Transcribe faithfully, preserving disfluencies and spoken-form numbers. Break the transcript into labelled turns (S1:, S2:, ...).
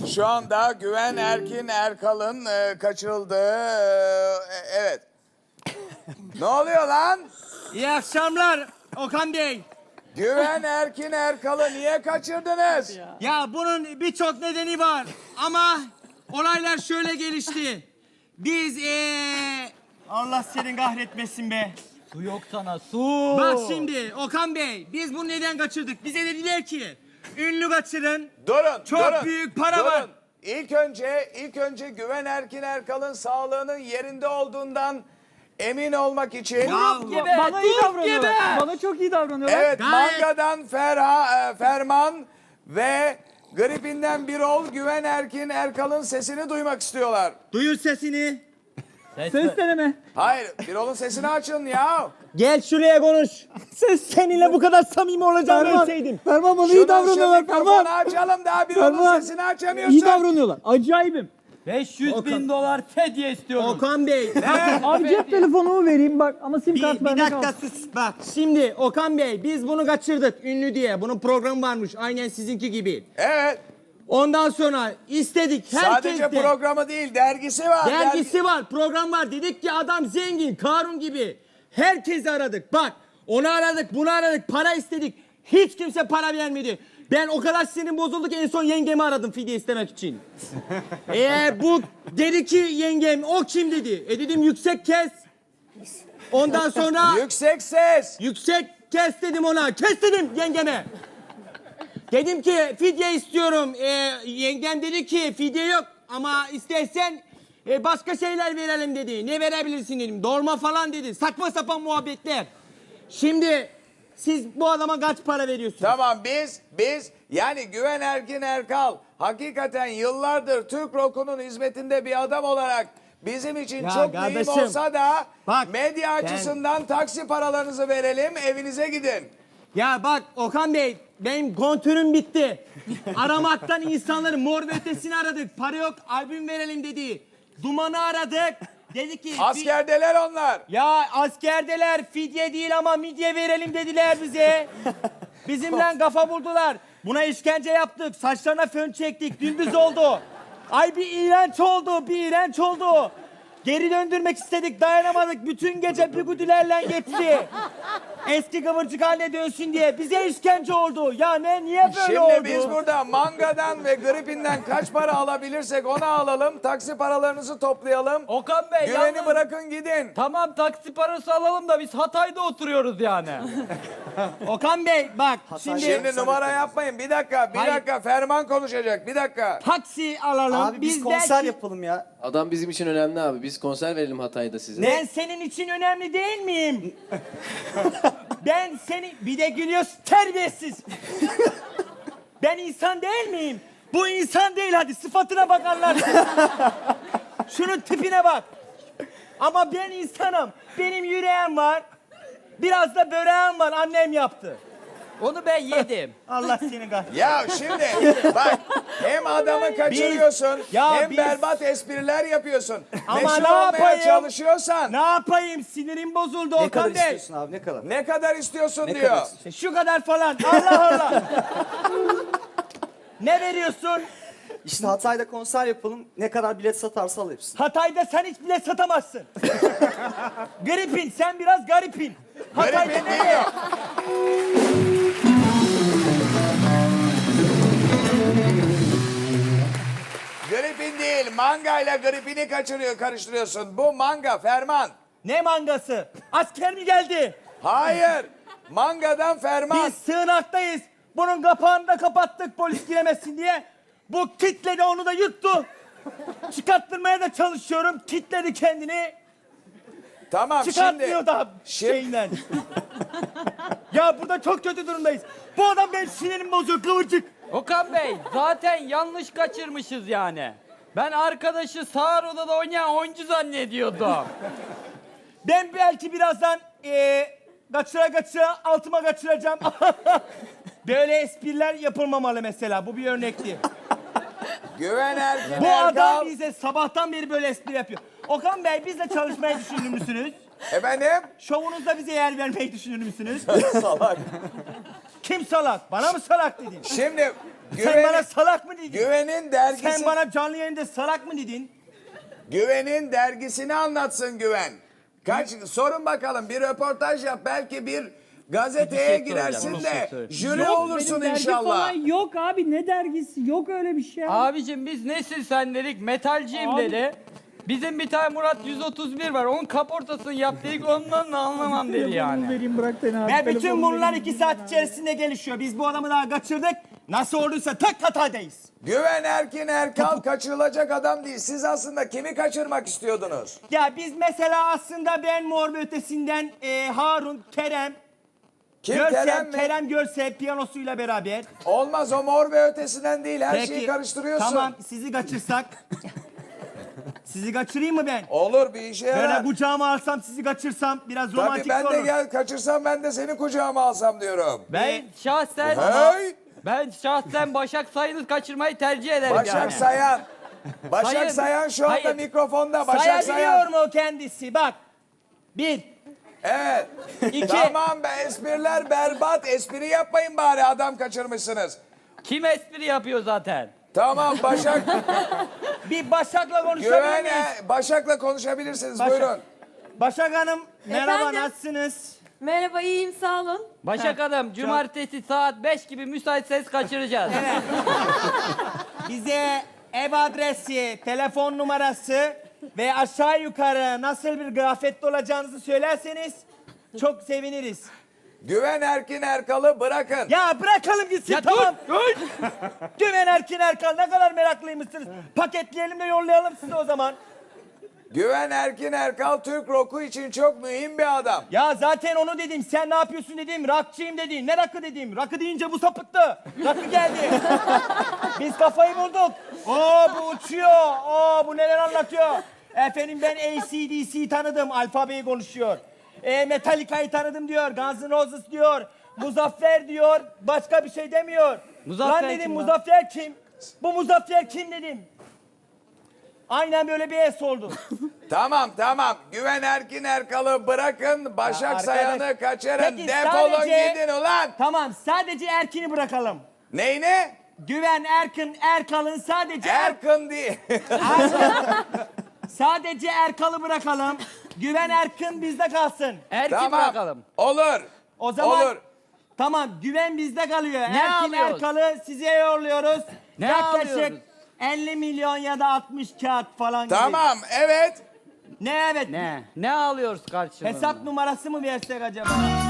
S1: Şu anda Güven Erkin Erkal'ın e, kaçırıldığı... e, evet. Ne oluyor lan?
S2: İyi akşamlar Okan Bey.
S1: Güven Erkin Erkal'ı niye kaçırdınız?
S2: Ya bunun birçok nedeni var ama olaylar şöyle gelişti. Biz ee... Allah senin kahretmesin be.
S3: Su yok sana su.
S2: Bak şimdi Okan Bey, biz bunu neden kaçırdık? Bize dediler ki ünlü kaçırın.
S1: Durun,
S2: Çok
S1: durun,
S2: büyük para
S1: durun.
S2: var.
S1: İlk önce, ilk önce Güven Erkin Erkal'ın sağlığının yerinde olduğundan emin olmak için...
S2: Ya,
S3: Gibi, bana iyi davranıyorlar. Bana çok iyi davranıyorlar.
S1: Evet,
S2: Gayet-
S1: Manga'dan Ferha, e, Ferman ve Gripinden Birol Güven Erkin Erkal'ın sesini duymak istiyorlar.
S2: Duyur sesini.
S3: Ses deneme.
S1: Hayır, Birol'un sesini açın ya.
S2: Gel şuraya konuş. Ses seninle bu kadar samimi olacağını
S3: Ferman,
S2: bilseydim.
S3: Ferman bana iyi
S1: Şunu şu
S3: davranıyorlar.
S1: mikrofonu
S3: Ferman.
S1: açalım daha Birol'un
S3: Ferman.
S1: sesini açamıyorsun.
S3: İyi davranıyorlar. Acayibim.
S4: beş yüz bin dolar fedye istiyorum.
S2: Okan Bey.
S3: Abi cep telefonumu vereyim bak ama sim
S2: Bir,
S3: kart
S2: bir
S3: bende
S2: dakika
S3: kaldı.
S2: sus bak. Şimdi Okan Bey biz bunu kaçırdık ünlü diye. Bunun programı varmış aynen sizinki gibi.
S1: Evet,
S2: Ondan sonra istedik herkes
S1: sadece
S2: de.
S1: programı değil, dergisi var.
S2: Dergisi var, program var. Dedik ki adam zengin, Karun gibi. Herkesi aradık. Bak, onu aradık, bunu aradık, para istedik. Hiç kimse para vermedi. Ben o kadar sinirim bozuldu ki en son yengemi aradım fidye istemek için. Eee bu dedi ki yengem, o kim dedi. E dedim yüksek kes. Ondan sonra
S1: Yüksek ses.
S2: yüksek kes dedim ona. Kes dedim yengeme. Dedim ki fidye istiyorum. Ee, yengem dedi ki fidye yok ama istersen e, başka şeyler verelim dedi. Ne verebilirsin dedim. Dolma falan dedi. Saçma sapan muhabbetler. Şimdi siz bu adama kaç para veriyorsunuz?
S1: Tamam biz, biz yani Güven Erkin Erkal hakikaten yıllardır Türk rock'unun hizmetinde bir adam olarak bizim için
S2: Ya
S1: çok
S2: kardeşim,
S1: mühim olsa da
S2: bak,
S1: medya
S2: ben-
S1: açısından taksi paralarınızı verelim, evinize gidin.
S2: Ya bak Okan Bey benim kontörüm bitti. Aramaktan insanları Mor ve Ötesi'ni aradık. Para yok albüm verelim dedi. Duman'ı aradık. Dedi ki...
S1: Askerdeler onlar.
S2: Ya askerdeler fidye değil ama midye verelim dediler bize. Bizimle kafa buldular. Buna işkence yaptık. Saçlarına fön çektik. Gündüz oldu. Ay bir iğrenç oldu. Bir iğrenç oldu. Geri döndürmek istedik. Dayanamadık. Bütün gece pigüdülerle geçti. Eski kıvırcık haline dönsün diye. Bize işkence oldu. Ya ne? Niye böyle
S1: Şimdi
S2: oldu?
S1: biz burada Manga'dan ve Gripinden kaç para alabilirsek onu alalım. Taksi paralarınızı toplayalım.
S4: Okan Bey
S1: Güveni
S4: yalnız-
S1: bırakın gidin.
S4: Tamam taksi parası alalım da biz Hatay'da oturuyoruz yani.
S2: Okan Bey bak şimdi,
S1: Şimdi numara yapmayın. Bir dakika, bir
S2: Hayır.
S1: dakika. Ferman konuşacak. Bir dakika.
S2: taksi alalım.
S5: Abi biz,
S2: Biz
S5: konser
S2: belki-
S5: yapalım ya.
S6: Adam bizim için önemli abi. Biz konser verelim Hatay'da size.
S2: Ben senin için önemli değil miyim? Ben seni... Bir de gülüyorsun terbiyesiz. Ben insan değil miyim? Bu insan değil hadi sıfatına bakarlar. Şunun tipine bak. Ama ben insanım. Benim yüreğim var. Biraz da böreğim var. Annem yaptı.
S4: Onu ben yedim.
S2: Allah seni kahretsin.
S1: Ya şimdi bak hem adamı kaçırıyorsun
S2: ya
S1: hem
S2: biz-
S1: berbat espriler yapıyorsun.
S2: Ama
S1: Meşhur
S2: ne
S1: olmaya
S2: yapayım?
S1: çalışıyorsan
S2: Ne yapayım? Sinirim bozuldu
S5: Ne kadar
S2: Okan Bey.
S5: istiyorsun abi ne kadar?
S1: ne kadar istiyorsun
S5: Ne
S1: diyor.
S5: kadar istiyorsun?
S2: Şu kadar falan. Allah Allah. Ne veriyorsun?
S5: İşte Hatay'da konser yapalım. Ne kadar bilet satarsa al hepsini.
S2: Hatay'da sen hiç bilet satamazsın. Garipin, sen biraz garipin. Hatay'da
S1: Gripin
S2: ne?
S1: değil. Gripin değil, manga ile gripini kaçırıyor, karıştırıyorsun. Bu manga, Ferman.
S2: Ne mangası? Asker mi geldi?
S1: Hayır, mangadan Ferman.
S2: Biz sığınaktayız. Bunun kapağını da kapattık polis giremesin diye. Bu kitledi onu da yuttu. Çıkarttırmaya da çalışıyorum. Kitledi kendini.
S1: Tamam
S2: Çıkartmıyor
S1: şimdi.
S2: da
S1: Şimdi-
S2: şeyinden. Ya burada çok kötü durumdayız. Bu adam benim sinirimi bozuyor kıvırcık.
S4: Okan Bey zaten yanlış kaçırmışız yani. Ben arkadaşı sağır odada oynayan oyuncu zannediyordum.
S2: Ben belki birazdan eee kaçıra kaçıra altıma kaçıracağım. Böyle espriler yapılmamalı mesela. Bu bir örnekti.
S1: Güven Erkin
S2: Bu
S1: Erkal.
S2: adam bize sabahtan beri böyle espri yapıyor. Okan Bey bizle çalışmayı düşünür müsünüz?
S1: Efendim?
S2: Şovunuzda bize yer vermeyi düşünür müsünüz?
S1: Salak.
S2: Kim salak? Bana mı salak dedin?
S1: Şimdi
S2: Sen
S1: Güven-
S2: bana salak mı dedin?
S1: Güven'in dergisi,
S2: Sen bana canlı yayında salak mı dedin?
S1: Güven'in dergisini anlatsın Güven. Kaç sorun bakalım, bir röportaj yap, belki bir gazeteye
S4: Bir şey
S1: girersin
S4: soracağım,
S1: de
S4: bir şey soracağım.
S1: jüri
S3: Yok,
S1: olursun
S3: benim dergi
S1: inşallah.
S3: falan yok abi, ne dergisi? Yok öyle bir şey.
S4: Abicim biz nesin sen dedik, metalciyim
S3: Abi-
S4: dedi. Bizim bir tane Murat yüz otuz bir var, onun kaportasını yap dedik, ondan da anlamam dedi
S3: Telefonumu
S4: yani.
S3: vereyim, bırak beni abi.
S2: Ve bütün
S3: Telefonumu
S2: bunlar
S3: vereyim.
S2: iki saat içerisinde gelişiyor. Biz bu adamı daha kaçırdık. Nasıl olduysa tek hatadayız.
S1: Güven Erkin Erkal kaçırılacak adam değil. Siz aslında kimi kaçırmak istiyordunuz?
S2: Ya biz mesela aslında ben Mor ve Ötesi'nden e, Harun, Kerem,
S1: Kim,
S2: Görsel,
S1: Kerem
S2: Kerem,
S1: mi?
S2: Görsel piyanosuyla beraber.
S1: Olmaz, o Mor ve Ötesi'nden değil. Her şeyi karıştırıyorsun.
S2: Tamam sizi kaçırsak. Sizi kaçırayım mı ben?
S1: Olur, bir işe yarar.
S2: Böyle kucağıma alsam sizi kaçırsam biraz
S1: Tabii
S2: romantik
S1: ben
S2: olur.
S1: de gel kaçırsam ben de seni kucağıma alsam diyorum.
S4: Ben şahsen
S1: Hey!
S4: ben şahsen Başak Sayın'ı kaçırmayı tercih ederim
S1: Başak
S4: yani.
S1: Sayan. Başak
S4: Hayır,
S1: Sayan şu anda
S4: hayır.
S1: mikrofonda. Başak
S2: Sayabiliyor
S1: Sayan.
S2: mu o kendisi? Bak. Bir.
S1: Evet.
S2: İki.
S1: Tamam be, espriler berbat. Espri yapmayın bari, adam kaçırmışsınız.
S4: Kim espri yapıyor zaten?
S1: Tamam Başak.
S2: Bir Başak'la konuşabilir
S1: Güven
S2: miyiz?
S1: e, Başak'la konuşabilirsiniz.
S2: Başak.
S1: Buyurun.
S2: Başak Hanım merhaba
S7: Efendim?
S2: nasılsınız?
S7: Merhaba, iyiyim, sağ olun.
S4: Başak Hanım, cumartesi saat beş gibi müsaitseniz kaçıracağız.
S2: Bize ev adresi, telefon numarası ve aşağı yukarı nasıl bir kıyafette olacağınızı söylerseniz çok seviniriz.
S1: Güven Erkin Erkal'ı bırakın.
S2: Ya bırakalım gitsin
S4: Ya
S2: tamam.
S4: dur, dur.
S2: Güven Erkin Erkal ne kadar meraklıymışsınız. Paketleyelim de yollayalım size o zaman.
S1: Güven Erkin Erkal Türk roku için çok mühim bir adam.
S2: Ya zaten onu dedim. Sen ne yapıyorsun dedim. Rakçıyım dedin. Ne rakı dedim. Rakı deyince bu sapıttı. Rakı geldi. Biz kafayı bulduk. Oo bu uçuyor. Oo bu neler anlatıyor. Efendim ben A C D C tanıdım. Alfabeyi konuşuyor. E, Metallica'yı tanıdım diyor. Guns N' Roses diyor. Muzaffer diyor. Başka bir şey demiyor.
S4: Muzaffer
S2: lan dedim
S4: kim lan?
S2: Muzaffer kim? Bu Muzaffer kim dedim. Aynen böyle bir es oldu.
S1: Tamam tamam. Güven Erkin Erkal'ı bırakın. Başak
S2: Ya arkadaş-
S1: Sayan'ı kaçırın.
S2: Peki,
S1: Defolun
S2: sadece-
S1: gidin ulan.
S2: Tamam sadece Erkin'i bırakalım.
S1: Neyine?
S2: Güven Erkin Erkal'ın sadece Er-
S1: Erkın değil.
S2: sadece Erkal'ı bırakalım. Güven Erkin bizde kalsın.
S4: Erkin
S1: Tamam.
S4: bırakalım.
S1: Olur.
S2: O zaman
S1: Olur.
S2: tamam Güven bizde kalıyor.
S4: Ne
S2: Erkin
S4: alıyoruz?
S2: Erkal'ı size yolluyoruz.
S4: Ne
S2: Yaklaşık
S4: alıyoruz?
S2: elli milyon ya da altmış kağıt falan gibi.
S1: Tamam evet.
S2: Ne evet.
S4: Ne? Ne alıyoruz karşılığında?
S2: Hesap numarası mı versek acaba?